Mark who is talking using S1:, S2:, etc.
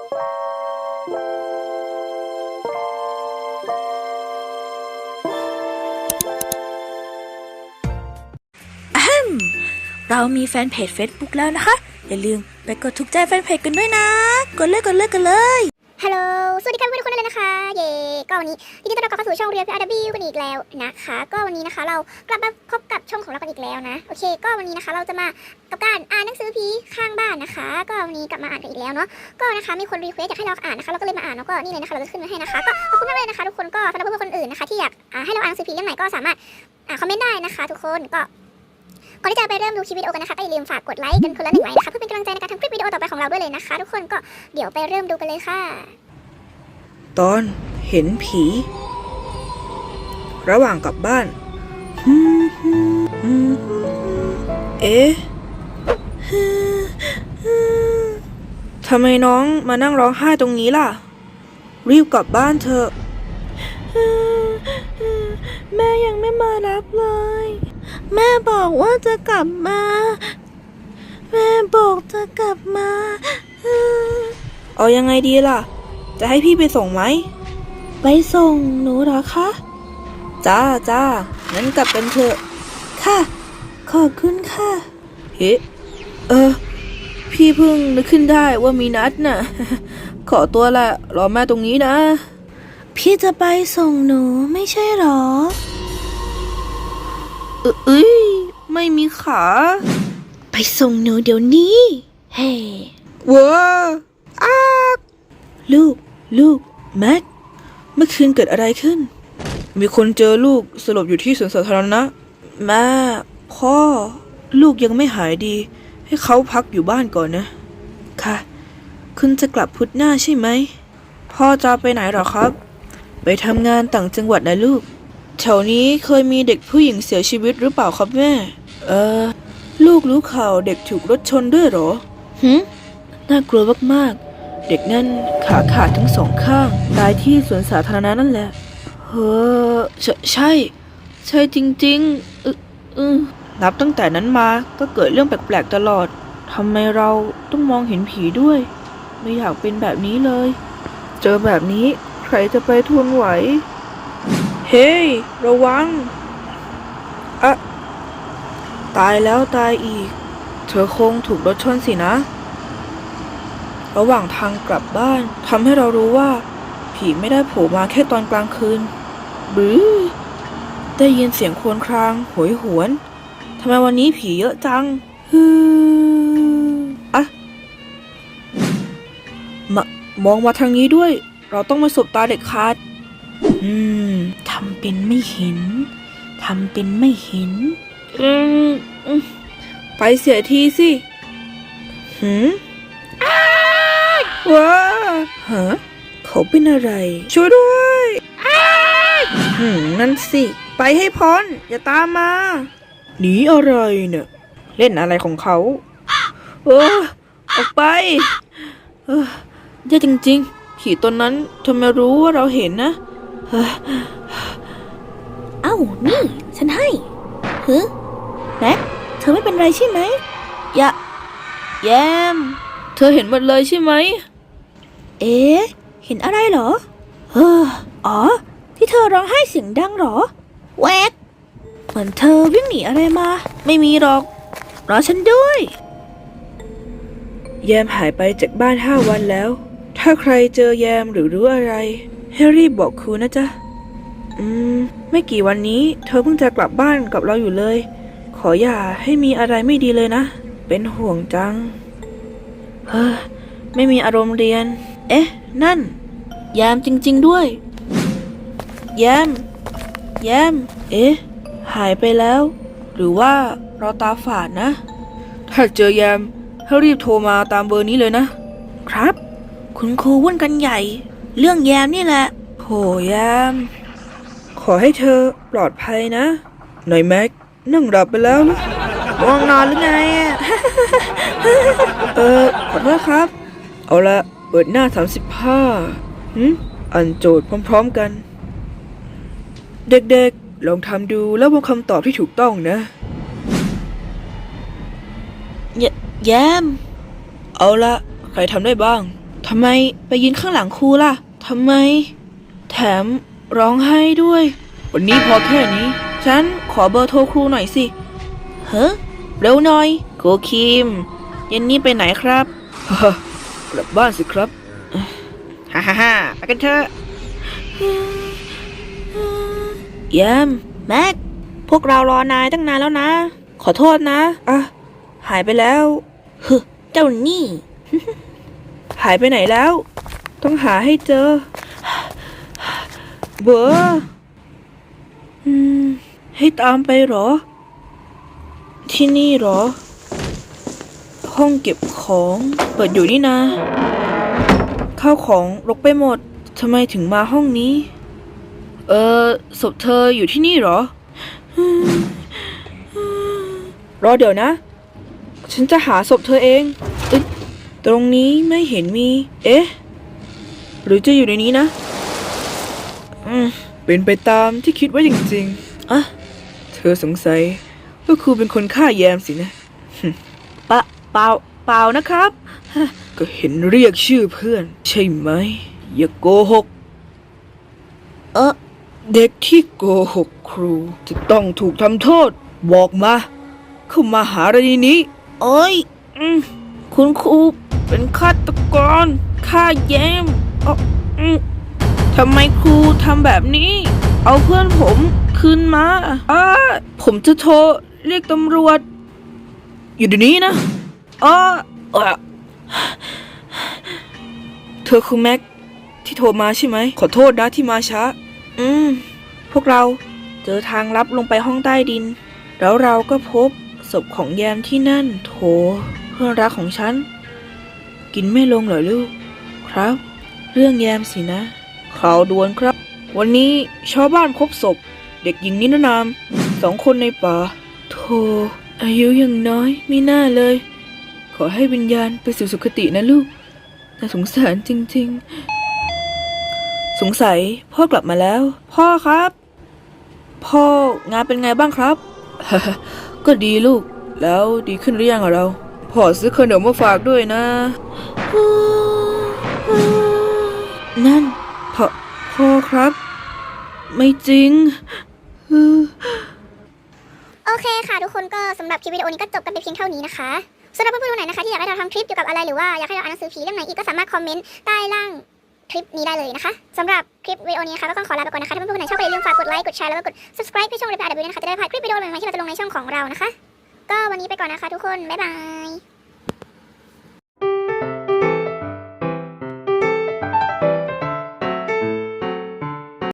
S1: เรามีแฟนเพจ Facebook แล้วนะคะอย่าลืมไปกดถูกใจแฟนเพจกันด้วยนะกดเลย
S2: ฮัลโหลสวัสดีค่ะเพื่อนๆทุกคนเลยนะคะเย่ก็วันนี้ยินดีต้อนรับเข้าสู่ช่องเรียล PRW กันอีกแล้วนะคะก็วันนี้นะคะเรากลับมาพบกับช่องของเรากันอีกแล้วนะโอเคก็วันนี้นะคะเราจะมากับการอ่านหนังสือผีข้างบ้านนะคะก็วันนี้กลับมาอ่านกันอีกแล้วเนาะก็นะคะมีคนรีเควสอยากให้เราอ่านนะคะเราก็เลยมาอ่านแล้วก็นี่เลยนะคะเราจะขึ้นมาให้นะคะก็ขอบคุณมากเลยนะคะทุกคนก็สำหรับเพื่อนๆคนอื่นนะคะที่อยากให้เราอ่านหนังสือผีเรื่องไหนก็สามารถคอมเมนต์ได้นะคะทุกคนก็ก่อนที่จะไปเริ่มดูคลิปวิดีโอกันนะคะก็อย่าลืมฝากกดไลค์กันคนละ1 ไลค์นะคะเพื่อเป็นกำลังใจในการทำคลิปวิดีโอต่อไปของเราด้วยเลยนะคะทุกคนก็เดี๋ยวไปเริ่มดูกันเลยค่ะ
S3: ตอนเห็นผี ระหว่างกลับบ้านเอ๊ะทำไมน้องมานั่งร้องไห้ตรงนี้ล่ะรีบกลับบ้านเถอะแม่ยังไม่มารับเลยแม่บอกว่าจะกลับมาแม่บอกจะกลับมาเอายังไงดีล่ะจะให้พี่ไปส่งไหมไปส่งหนูเหรอคะจ้างั้นกลับกันเถอะค่ะขอบคุณค่ะเฮ้พี่เพิ่งนึกขึ้นได้ว่ามีนัดน่ะ ขอตัวละรอแม่ตรงนี้นะพี่จะไปส่งหนูไม่ใช่หรอไม่มีขาไปส่งหนูเดี๋ยวนี้เฮ้ว้าลูกแม็กเมื่อคืนเกิดอะไรขึ้นมีคนเจอลูกสลบอยู่ที่สวนสาธารณะแม่พ่อลูกยังไม่หายดีให้เขาพักอยู่บ้านก่อนนะค่ะคุณจะกลับพุธหน้าใช่ไหมพ่อจะไปไหนหรอครับไปทำงานต่างจังหวัดนะลูกแถวนี้เคยมีเด็กผู้หญิงเสียชีวิตหรือเปล่าครับแม่ลูกรู้ข่าวเด็กถูกรถชนด้วยหรอน่ากลัวมากๆเด็กนั่นขาขาดทั้ง2 ข้างตายที่สวนสาธารณะนั่นแหละใช่จริงๆนับตั้งแต่นั้นมาก็เกิดเรื่องแปลกๆตลอดทำไมเราต้องมองเห็นผีด้วยไม่อยากเป็นแบบนี้เลยเจอแบบนี้ใครจะไปทนไหวเฮ้ยระวังตายแล้วตายอีกเธอคงถูกรถชนสินะระหว่างทางกลับบ้านทำให้เรารู้ว่าผีไม่ได้โผล่มาแค่ตอนกลางคืนได้ยินเสียงครวญครางโหยหวนทำไมวันนี้ผีเยอะจังมองมาทางนี้ด้วยเราต้องมาสบตาเด็กขาดทำเป็นไม่เห็นไปเสียทีสิว้าเขาเป็นอะไรช่วยด้วยนั่นสิไปให้พ้นอย่าตามมาหนีอะไรเนี่ยเล่นอะไรของเขาออกไปแย่จริงๆผีตนนั้นทำไมรู้ว่าเราเห็นนะ
S1: เอ้านี่ฉันให้แม็กเธอไม่เป็นไรใช่ไหม
S3: แยมเธอเห็นหมดเลยใช่ไหม
S1: เห็นอะไรเหรออ๋อที่เธอร้องไห้เสียงดังเหรอแวกเหมือนเธอวิ่งหนีอะไรมาไม่มีหรอกรอฉันด้วย
S3: แยมหายไปจากบ้าน5 วันแล้วถ้าใครเจอแยมหรือรู้อะไรให้รีบบอกครูนะจ๊ะไม่กี่วันนี้เธอเพิ่งจะกลับบ้านกับเราอยู่เลยขออย่าให้มีอะไรไม่ดีเลยนะเป็นห่วงจังไม่มีอารมณ์เรียนนั่นแยมจริงๆด้วยแยมหายไปแล้วหรือว่าเราตาฝาดนะถ้าเจอแยมให้รีบโทรมาตามเบอร์นี้เลยนะครับ
S1: คุณครูวุ่นกันใหญ่เรื่องแยมนี่แหละ
S3: โหแยมขอให้เธอปลอดภัยนะหน่อยแม็กนั่งหลับไปแล้วนะ
S1: ง่วงนอนหรือไง
S3: ขอโทษครับเอาละเปิดหน้า35อ่านโจทย์พร้อมๆกันเด็กๆลองทำดูแล้วบอกคำตอบที่ถูกต้องนะ
S1: แยม
S3: เอาละใครทำได้บ้างทำไมไปยืนข้างหลังครูล่ะทำไม แถมร้องไห้ด้วย วันนี้พอแค่นี้ ฉันขอเบอร์โทรครูหน่อยสิเฮ้เร็วหน่อยครูคิมเย็นนี้ไปไหนครับ กลับบ้านสิครับฮ่าฮ่าฮ่าไปกันเถอะแยมแม็กพวกเรารอนายตั้งนานแล้วนะ ขอโทษนะหายไปแล้วเจ้านี่ หายไปไหนแล้ว ต้องหาให้เจอเบอร์ให้ตามไปเหรอ ที่นี่เหรอ ห้องเก็บของเปิดอยู่นี่นะข้าวของรกไปหมดทำไมถึงมาห้องนี้ศพเธออยู่ที่นี่เหรอ รอเดี๋ยวนะ ฉันจะหาศพเธอเองตรงนี้ไม่เห็นมี หรือจะอยู่ในนี้นะเป็นไปตามที่คิดไว้จริงๆเธอสงสัยว่าครูเป็นคนฆ่าแยมสินะ เปล่านะครับ ก็เห็นเรียกชื่อเพื่อน ใช่ไหม อย่าโกหก เด็กที่โกหกครูจะต้องถูกทำโทษ บอกมา เข้ามาหาอะไรนี้โอ้ยคุณครูเป็นฆาตกรฆ่าแยมทำไมครูทำแบบนี้ เอาเพื่อนผมคืนมาผมจะโทรเรียกตำรวจ อยู่เดี๋ยวนี้นะเธอคือแม็กที่โทรมาใช่ไหม ขอโทษนะที่มาช้าพวกเราเจอทางลับลงไปห้องใต้ดิน แล้วเราก็พบศพของแยมที่นั่นโถเพื่อนรักของฉัน กินไม่ลงเหรอลูก ครับ เรื่องแยมสินะ ข่าวด่วนครับ วันนี้ชาวบ้านพบศพ เด็กหญิงนิรนาม2 คนในป่าโธ่อายุยังน้อยไม่น่าเลย ขอให้วิญญาณไปสู่สุคตินะลูกน่าสงสารจริงๆ สงสัยพ่อกลับมาแล้ว พ่อครับ พ่องานเป็นไงบ้างครับ ก็ดีลูกแล้วดีขึ้นหรือยังเราพ่อซื้อขนมมาฝากด้วยนะนั่นพ่อครับ ไม่จริง
S2: โอเคค่ะทุกคนก็สำหรับคลิปวิดีโอนี้ก็จบกันไปเพียงเท่านี้นะคะสำหรับเพื่อนๆคนไหนนะคะที่อยากให้เราทำคลิปเกี่ยวกับอะไรหรือว่าอยากให้เราอ่านหนังสือผีเรื่องไหนอีกก็สามารถคอมเมนต์ใต้ล่างคลิปนี้ได้เลยนะคะสำหรับคลิปวิดีโอนี้นะคะก็ต้องขอลาไปก่อนนะคะถ้าเพื่อนๆคนไหนชอบก็อย่าลืมฝากกดไลค์กดแชร์แล้วก็กด subscribe ให้ช่อง RepairAW นะคะจะได้ไม่พลาดคลิปวิดีโอใหม่ๆที่เราจะลงในช่องของเรานะคะก็วันนี้ไปก่อนนะคะทุกคนบ๊ายบาย